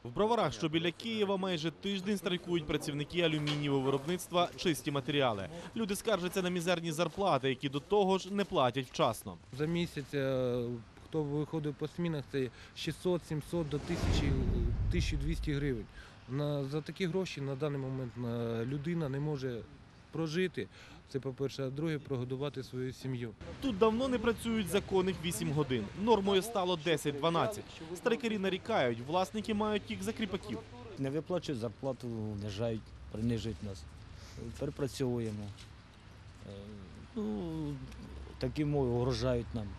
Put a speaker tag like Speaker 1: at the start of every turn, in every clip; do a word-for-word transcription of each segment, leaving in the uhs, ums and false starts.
Speaker 1: В Броварах, що біля Києва, майже тиждень страйкують працівники алюмінієвого виробництва «Чисті матеріали». Люди скаржаться на мізерні зарплати, які до того ж не платять вчасно.
Speaker 2: За місяць, е, хто виходить по змінах, це шістсот, сімсот до тисячі, тисяча двісті гривень. На, за такі гроші на даний момент е, людина не може прожити. Це, по-перше, а друге, прогодувати свою сім'ю.
Speaker 1: Тут давно не працюють законних вісім годин. Нормою стало десять-дванадцять. Страйкарі нарікають, власники мають їх за кріпаків.
Speaker 3: Не виплачують зарплату, унижають, принижують нас. Перепрацьовуємо. Е, Ну, такі мови угрожають нам.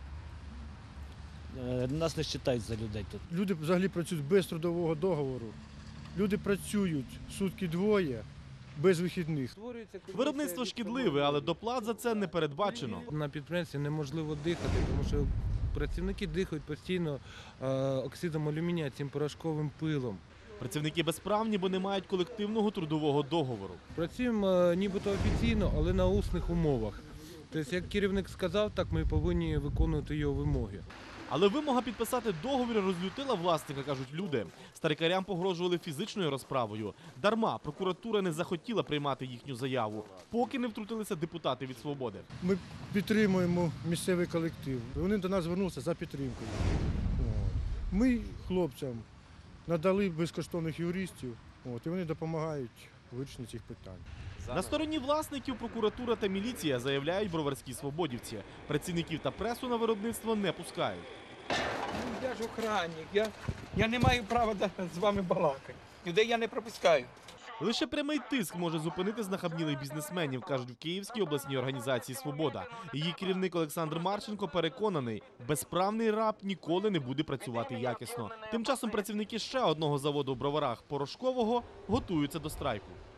Speaker 3: Е, Нас не вважають за людей тут.
Speaker 4: Люди взагалі працюють без трудового договору. Люди працюють сутки двоє, без вихідних.
Speaker 1: Виробництво шкідливе, але доплат за це не передбачено.
Speaker 2: На підприємстві неможливо дихати, тому що працівники дихають постійно е, оксидом алюмінія, цим порошковим пилом.
Speaker 1: Працівники безправні, бо не мають колективного трудового договору.
Speaker 2: Працюємо е, нібито офіційно, але на усних умовах. Тобто, як керівник сказав, так ми повинні виконувати його вимоги.
Speaker 1: Але вимога підписати договір розлютила власника, кажуть люди. Старикарям погрожували фізичною розправою. Дарма прокуратура не захотіла приймати їхню заяву, поки не втрутилися депутати від «Свободи».
Speaker 4: Ми підтримуємо місцевий колектив. Вони до нас звернулися за підтримкою. От. Ми хлопцям надали безкоштовних юристів, от, і вони допомагають у вирішенні цих питань.
Speaker 1: На стороні власників прокуратура та міліція, заявляють броварські свободівці. Працівників та пресу на виробництво не пускають.
Speaker 5: Ну, я ж охранник, я, я не маю права да, з вами балакати. Людей я не пропускаю.
Speaker 1: Лише прямий тиск може зупинити знахабнілих бізнесменів, кажуть в Київській обласній організації «Свобода». Її керівник Олександр Марченко переконаний, безправний раб ніколи не буде працювати якісно. Тим часом працівники ще одного заводу в Броварах – порошкового готуються до страйку.